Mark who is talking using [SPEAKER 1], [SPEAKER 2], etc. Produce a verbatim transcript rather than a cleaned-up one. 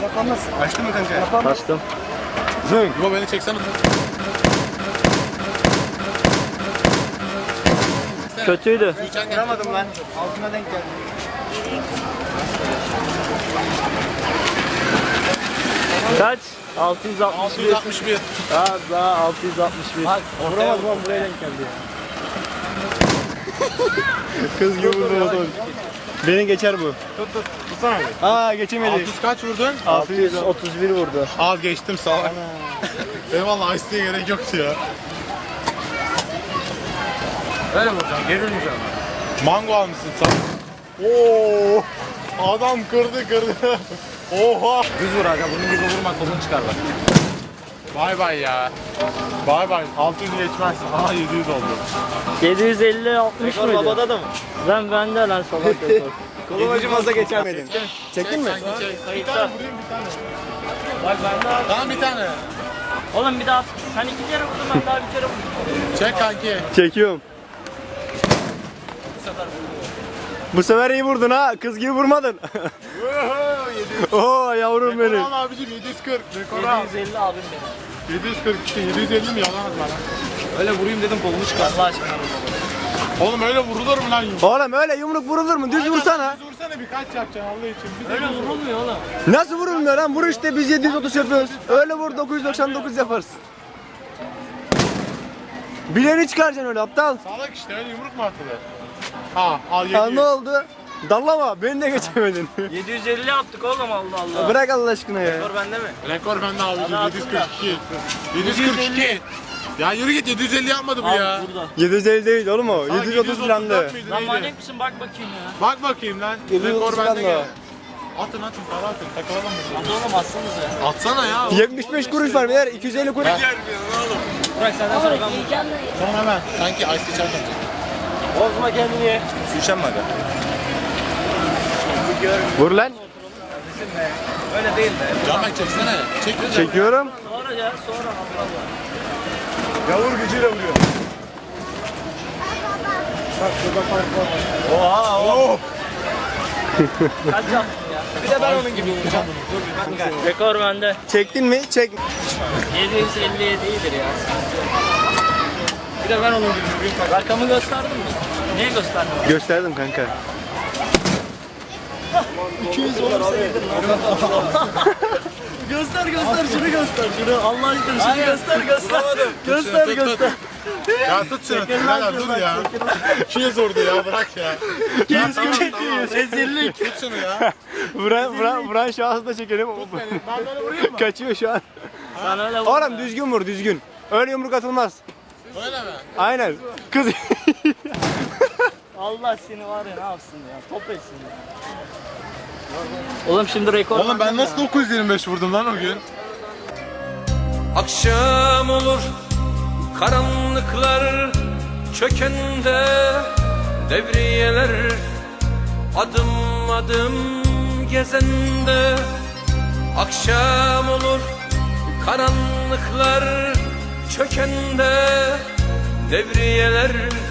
[SPEAKER 1] Yapamaz.
[SPEAKER 2] Açtın mı kanka?
[SPEAKER 1] Yapamaz.
[SPEAKER 3] Bastım.
[SPEAKER 2] Zınk. Bu beni çeksene.
[SPEAKER 3] Kötüydü.
[SPEAKER 2] Vuramadım lan. Altına denk geldi.
[SPEAKER 3] Kaç? altı yüz altmış
[SPEAKER 2] altı
[SPEAKER 3] bir.
[SPEAKER 2] yüz altmış bir.
[SPEAKER 3] Daha daha altı yüz altmış bir.
[SPEAKER 1] Vuramadım lan, buraya denk geldi ya.
[SPEAKER 2] Kız gibi vurdu. Beni geçer bu.
[SPEAKER 1] Tut tut. Tutsana abi.
[SPEAKER 2] Aa geçemedi.
[SPEAKER 4] altı yüz kaç vurdun?
[SPEAKER 3] altı yüz otuz bir vurdu.
[SPEAKER 4] Al geçtim sağ ol. Eyvallah isteğe gerek yoktu ya.
[SPEAKER 1] Öyle vuracaksın. Geri vuracaksın.
[SPEAKER 4] Mango almışsın sen. Oo! Adam kırdı kırdı. Oha!
[SPEAKER 1] Düz vur aga. Bunun gibi vurma, kolun çıkar bak.
[SPEAKER 4] Bay bay ya. Bay bay. altı yüz geçmez. Aha yedi yüz oldu.
[SPEAKER 3] yedi yüz elli altmış
[SPEAKER 1] Rekor
[SPEAKER 3] mıydı?
[SPEAKER 1] babada da mı?
[SPEAKER 3] Ben bende lan salak rekor.
[SPEAKER 2] Kolum acımazsa geçemedin. Çektin mi?
[SPEAKER 4] Sanki çek. Bir
[SPEAKER 3] Kayıtta.
[SPEAKER 4] tane vurayım bir tane.
[SPEAKER 3] Bak bende abi.
[SPEAKER 4] Tamam bir tane.
[SPEAKER 3] Oğlum bir daha. Sen iki kere vurdun, ben daha bir kere vurdum.
[SPEAKER 4] Çek kanki.
[SPEAKER 2] Çekiyorum. Bu sefer iyi vurdun ha. Kız gibi vurmadın. Oo yavrum
[SPEAKER 4] Rekor
[SPEAKER 2] benim.
[SPEAKER 4] al abicim yedi yüz kırk. Rekor al.
[SPEAKER 3] yedi yüz elli abim benim.
[SPEAKER 4] yedi yüz kırk işte yedi yüz elli mi yalan atma lan.
[SPEAKER 1] Öyle vurayım dedim, kolunu çıkar.
[SPEAKER 3] Allah aşkına.
[SPEAKER 4] Oğlum öyle vurulur mu lan yumruk?
[SPEAKER 2] Oğlum öyle yumruk vurulur mu? Düz vursana.
[SPEAKER 4] Düz vursana birkaç yapacaksın Allah için. Bir de
[SPEAKER 3] Öyle
[SPEAKER 4] düz vur.
[SPEAKER 3] vurulmuyor oğlum.
[SPEAKER 2] Nasıl vurulmuyor lan? Vur işte, biz yedi yüz otuz yapıyoruz. Öyle vur, dokuz yüz doksan dokuz yaparız. Bileni çıkaracaksın öyle aptal.
[SPEAKER 4] Salak işte öyle yumruk mu atılır? Ha al yedi
[SPEAKER 2] Ya
[SPEAKER 4] yüz.
[SPEAKER 2] ne oldu? Dallama, beni de geçemedin.
[SPEAKER 3] yedi yüz elli yaptık oğlum, Allah Allah.
[SPEAKER 2] Bırak Allah aşkına ya.
[SPEAKER 3] Rekor bende mi?
[SPEAKER 4] Rekor bende abicim
[SPEAKER 3] Hadi
[SPEAKER 4] yedi yüz kırk iki. yedi yüz kırk iki. Ya yürü git yedi yüz elli yapmadı bu
[SPEAKER 3] Al
[SPEAKER 4] ya.
[SPEAKER 3] burada.
[SPEAKER 2] yedi yüz elli değil oğlum o.
[SPEAKER 4] Salak
[SPEAKER 2] yedi yüz otuz falan da.
[SPEAKER 4] mıydı,
[SPEAKER 3] Lan
[SPEAKER 4] neydi?
[SPEAKER 3] manyak mısın, bak bakayım ya.
[SPEAKER 4] Bak bakayım lan.
[SPEAKER 2] yedi yüz
[SPEAKER 4] Rekor
[SPEAKER 2] otuz
[SPEAKER 4] bende
[SPEAKER 2] falan
[SPEAKER 4] gel.
[SPEAKER 2] da.
[SPEAKER 4] Atın atın para atın takılalım mı?
[SPEAKER 3] Hadi oğlum atsanıza.
[SPEAKER 4] Atsana ya.
[SPEAKER 2] yetmiş beş kuruş var beyler, iki yüz elli kuruş.
[SPEAKER 3] Bırak senden sonra ben vuracağım.
[SPEAKER 4] Sonra ben. Sanki ice içerken.
[SPEAKER 3] Bozma kendini.
[SPEAKER 1] Su içen mi aga?
[SPEAKER 2] Vur lan.
[SPEAKER 1] Öyle değil de.
[SPEAKER 4] Canbek çeksene. Çek lütfen.
[SPEAKER 2] Çekiyorum.
[SPEAKER 3] Sonra ya, sonra Allah Allah.
[SPEAKER 4] Yavur gücüyle vuruyor.
[SPEAKER 1] Oha oha.
[SPEAKER 3] Kaç yaptın ya?
[SPEAKER 1] Bir de ben onun gibi vuracağım. Dur bir kanka.
[SPEAKER 3] Rekor bende.
[SPEAKER 2] Çektin mi? Çek.
[SPEAKER 3] yedi yüz elli yedi iyidir ya.
[SPEAKER 1] Bir de ben onun gibi vurayım kanka.
[SPEAKER 3] Rakamı gösterdin mi? Niye göstermedin?
[SPEAKER 2] Gösterdim kanka.
[SPEAKER 3] Göster göster, şunu göster, şunu Allah aşkına şunu göster göster. Göster
[SPEAKER 4] Tut, tut,
[SPEAKER 3] göster.
[SPEAKER 4] Ya tut şunu. Birader dur ya. Şey zordu ya bırak ya.
[SPEAKER 3] Kim çekiyor? Rezillik.
[SPEAKER 4] Tut şunu ya.
[SPEAKER 2] Vuran, vuran, vuran şahsı da çekelim.
[SPEAKER 4] Ben böyle vurayım mı?
[SPEAKER 2] Kaçıyor şu an.
[SPEAKER 3] Sen öyle vur.
[SPEAKER 2] Oğlum düzgün vur, düzgün. Öyle yumruk atılmaz.
[SPEAKER 4] Öyle mi?
[SPEAKER 2] Aynen. Kız.
[SPEAKER 3] Allah seni var ya, ne yapsın ya? Top etsin ya. Oğlum şimdi rekor.
[SPEAKER 4] Oğlum ben
[SPEAKER 3] bende
[SPEAKER 4] nasıl
[SPEAKER 3] ya.
[SPEAKER 4] dokuz yüz yirmi beş vurdum lan o gün?
[SPEAKER 5] Akşam olur karanlıklar çökende devriyeler adım adım gezende. Akşam olur karanlıklar çökende devriyeler